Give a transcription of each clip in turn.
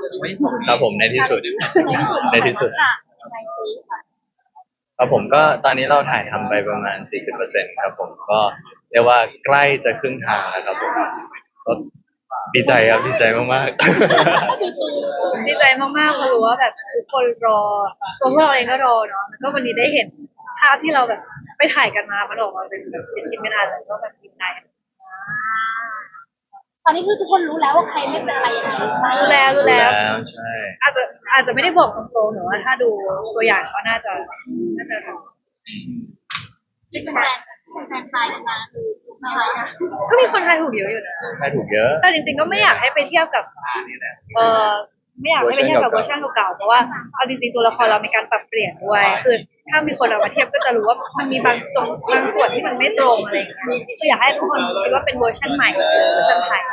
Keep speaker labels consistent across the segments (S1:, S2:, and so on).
S1: ครับผมในที่สุดในที่สุด
S2: ยังไงซิค่ะ
S1: ครับผมก็ตอนนี้เราถ่ายทำไปประมาณ40%ครับผมก็เรียกว่าใกล้จะครึ่งทางแล้วครับผมก็ดีใจครับดีใจมาก
S3: ดีใจมากๆเพราะรู้ว่าแบบทุกคนรอตัวพวกเราเองก็รอเนาะแล้วก็วันนี้ได้เห็นภาพที่เราแบบไปถ่ายกันมามันออกมาเป็นแบบเป็นชิ้นเป็นอันแล้วก็แบบดีใจ
S2: ตอนนี้คือทุกคนรู้แล้วว่าใครเล่นเป็นอะไรยังไงบ้าง
S3: รู้แล้ว
S1: ๆ
S3: รู้แล้ว
S1: ใช่
S3: อาจจะไม่ได้บอกตรงๆหรือว่าถ้าดูตัวอย่างก็น่าจะรู้
S2: ที่เป็นแฟนไทยกันมาคือนะคะ
S3: ก็มีคนทายถูกเยอะอยู่นะ
S1: ได้ถูกเยอะ
S3: แต่จริงๆก็ไม่อยากให้ไปเทียบกับเออไม่อยากให้ไปเทียบกับเวอร์ชันเก่าๆเพราะว่าเอาจริงๆตัวละครเรามีการปรับเปลี่ยนด้วยคือถ้ามีคนเอามาเทียบก็จะรู้ว่ามันมีบางส่วนที่มันไม่ตรงอะไรอย่างเงี้ยคืออยากให้ทุกคนคิดว่าเป็นเวอร์ชันใหม่เวอร์ชันไทย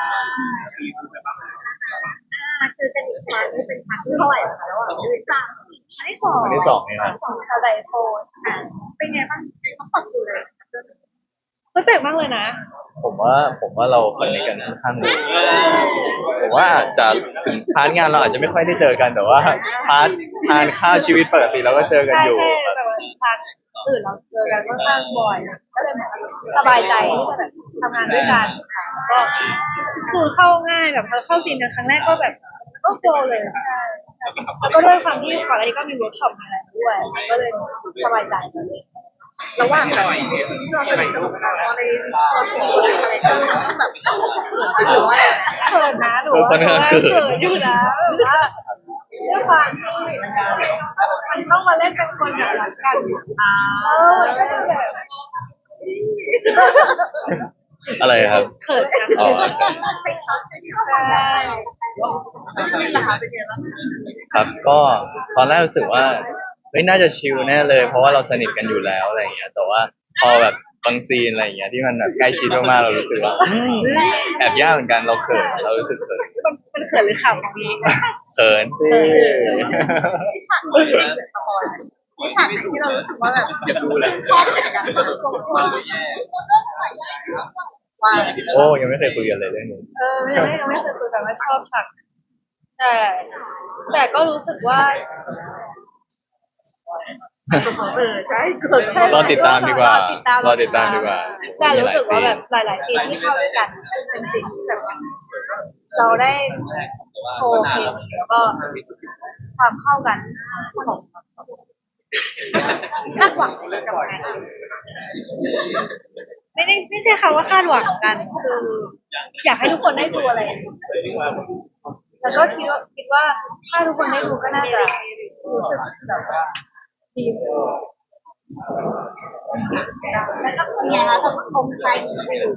S2: มาเจอกันอีกครั้งที่เป็นครั้งที่เท่าไหร่คะแล้วอ่ะด้วยจ้า
S3: อันที่สอง
S1: อันที่สองนี่ครับ
S3: เราไดโพส
S2: เป็นไงบ้างต้องปรับตัวเลย
S3: มันแปลกมากเลยนะ
S1: ผมว่าเราคอนเนคกันค่อนข้างดีผมว่าอาจจะถึงพาร์ทงานเราอาจจะไม่ค่อยได้เจอกันแต่ว่าพาร์ททานข้าวชีวิตปกติเราก็เจอกัน
S3: ใช่
S1: อยู่
S3: ใช่แบบว่าทางอื่นเราเจอกันค่อนข้างบ่อยก็เลยเหมือนสบายใจที่จะแบบทำงานด้วยกันก็จูนเข้าง่ายแบบเข้าซีนกันครั้งแรกก็แบบก็โฟลว์เลยใช่แล้วก็ด้วยความที่ก่อนอันนี้ก็มีเวิร์กช็อปอะไรด้วยก็เลยสบายใจเลย
S2: ระหว่างแบบที่เราสนิทกันมาพอในตัวของคาแรคเตอร์มันต้องแบบหรือว่า
S3: เขินนะหรือว่าเขินอยู่นะแบบว่าด้วยความที่มันต้องมาเล่นเป็นคนแบบรักกันก็จะแบบ
S1: อะไรครับ
S3: เขินนะ
S1: อ๋อ
S2: ไปช็อต
S3: ใช่
S2: นี่แหละค่ะเป็นไงบ้าง
S1: ครับก็ตอนแรกรู้สึกว่าเฮ้ยน่าจะชิลแน่เลยเพราะว่าเราสนิทกันอยู่แล้วอะไรอย่างเงี้ยแต่ว่าพอแบบบางซีนอะไรอย่างเงี้ยที่มันแบบใกล้ชิดมากๆเรารู้สึกว่าแอบยากเหมือนกันเราเขินเรารู้สึกเขิน
S3: มันเขินหรือขำของนี้
S1: เขินสิ
S2: ที่ฉากไหนที่ฉากไหนที่เรารู้สึกว่าแบบชื่นชอบเหมือนกันว่า
S1: โอ้ยังไม่เคยคุยกันเลยเรื่องนี้
S3: ยังไม่เคยคุยกันว่าชอบฉากแต่แต่ก็รู้สึกว่า
S2: ใช่
S1: รอติดตามดีกว่ารอติดตามดีกว่า
S3: แต่รู้สึกว่าแบบหลายๆซีนที่เข้าด้วยกันเป็นซีนที่แบบเราได้โชว์เคมีแล้วก็ความเข้ากันของคาดหวังกับงานไม่ใช่คำว่าคาดหวังกันคืออยากให้ทุกคนได้ดูอะไรแล้วก็คิดว่าถ้าทุกคนได้ดูก็น่าจะรู้สึกแบบดีแล้วก็มีไงคะกับคงใช้อยู่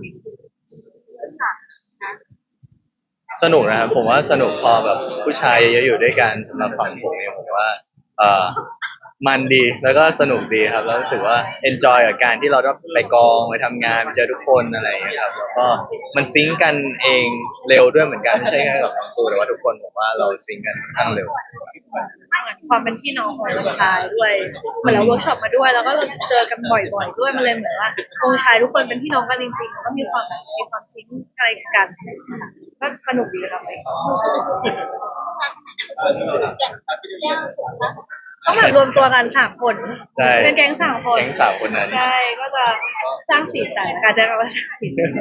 S1: สนุกนะครับผมว่าสนุกพอแบบผู้ชายเยอะๆอยู่ด้วยกันสำหรับฝั่งผมเนี่ยผมว่าเออมันดีแล้วก็สนุกดีครับแล้วรู้สึกว่า enjoy กับการที่เราต้องไปกองไปทำงานไปเจอทุกคนอะไรอย่างเงี้ยครับแล้วก็มันซิงก์กันเองเร็วด้วยเหมือนกันไม่ใช่แค่กับน้องตูแต่ว่าทุกคนผมว่าเราซิงก์กันค่อนข้างเร็ว
S3: ความเป็นพี่น้องของวงชายด้วยเหมือนเราเวิร์กช็อปมาด้วยแล้วก็เราเจอกันบ่อยๆด้วยมันเลยเหมือนว่าวงชายทุกคนเป็นพี่น้องกันจริงๆแล้วก็มีความแบบมีความซิงค์อะไรกันก็สนุกดีครับ ต้องแบบรวมตัวกัน3 คน
S1: ใช่
S3: เป็นแก๊ง3 คน
S1: แก๊งสามคนนั้น
S3: ใช่ก็จะสร้างสีสันการเจอกันว่าสร้างสีสัน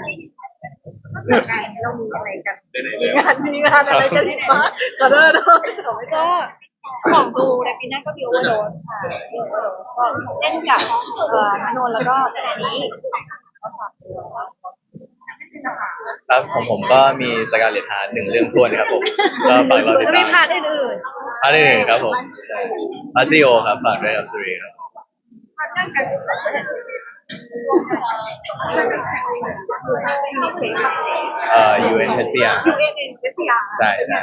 S2: เรามีอะไรกันมีงานอะไรกันบ้างก็ได้เนาะ
S3: ก็ของดูในปีหน้าก็มีโอเวอร์โหลดค่ะก็เล่นกับมโนนแล้วก็แต่อันนี้
S1: ครับของผมก็มีสกาเลตฮาร์ด1 เรื่องทวนครับผมก็ฝากเราติด
S3: แล้ว
S1: ตา
S3: มี
S1: ม
S3: พาร์ทอื่น
S1: พาร์ทที่1ครับผมใช่อาซิโอครับฝากด้วยครับสุรีครับ
S2: มันนั่งกันสองคน
S1: UNHCR
S2: อยู่เองเอสยา
S1: ใช่ใช่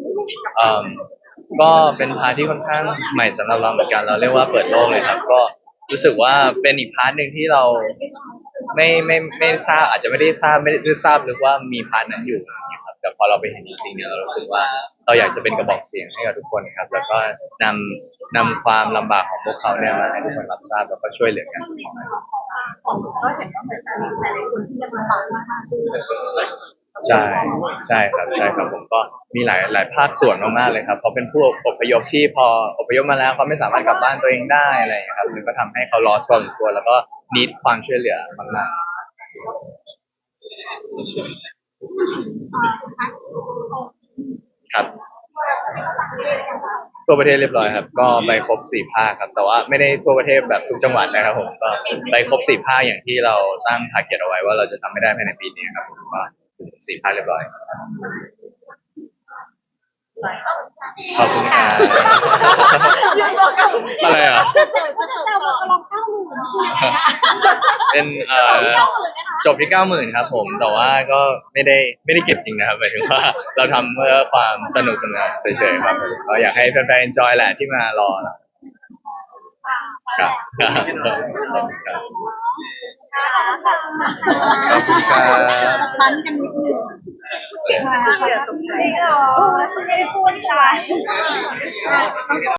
S1: ก็เป็นพาร์ทที่ค่อนข้างใหม่สำหรับเราเหมือนกันเราเรียกว่าเปิดโลกเลยครับก็รู้สึกว่าเป็นอีกพาร์ทหนึ่งที่เราไม่ทราบอาจจะไม่ได้ทราบลึกว่ามีพาร์ทนั้นอยู่นะครับแต่พอเราไปเห็นจริงๆเนี่ยเรารู้สึกว่าเราอยากจะเป็นกระบอกเสียงให้กับทุกคนครับแล้วก็นำความลำบากของพวกเขาเนี่ยมาให้ทุกคนรับทราบแล้วก็ช่วยเหลือกัน
S2: ก็เห็นว่าเหมือนกันหลายๆคนที่ยังลำบากมาก
S1: ใช่ใช่ครับใช่ครับผมก็มีหลายภาคส่วนมากๆเลยครับเขาเป็นผู้อพยพที่พออพยพมาแล้วเขาไม่สามารถกลับบ้านตัวเองได้อะไรอย่างเงี้ยครับมันก็ทำให้เขา lost พอสมควรแล้วก็need ความช่วยเหลือมากๆครับทั่วประเทศเรียบร้อยครับก็ไปครบ4ภาคครับแต่ว่าไม่ได้ทั่วประเทศแบบทุกจังหวัดนะครับผมก็ไปครบ4ภาคอย่างที่เราตั้ง target เอาไว้ว่าเราจะทำให้ได้ภายในปีนี้ครับผมก็ถึง4ภาคเรียบร้อยขอบคุณครับอะไรอ่ะ
S3: แต่ว่าลองเข้าหมู่นะ
S1: เป็นจบที่90,000ครับผมแต่ว่าก็ไม่ได้เก็บจริงนะครับหมายถึงว่าเราทำเพื่อความสนุกสนานเฉยๆครับผมก็อยากให้แฟนๆ enjoy แหละที่มารอครับครับครับขอบคุณครับ
S2: พันกันนิดนึง
S3: เดี๋ยวตกใจเหรอไม่ได้พูดอะไร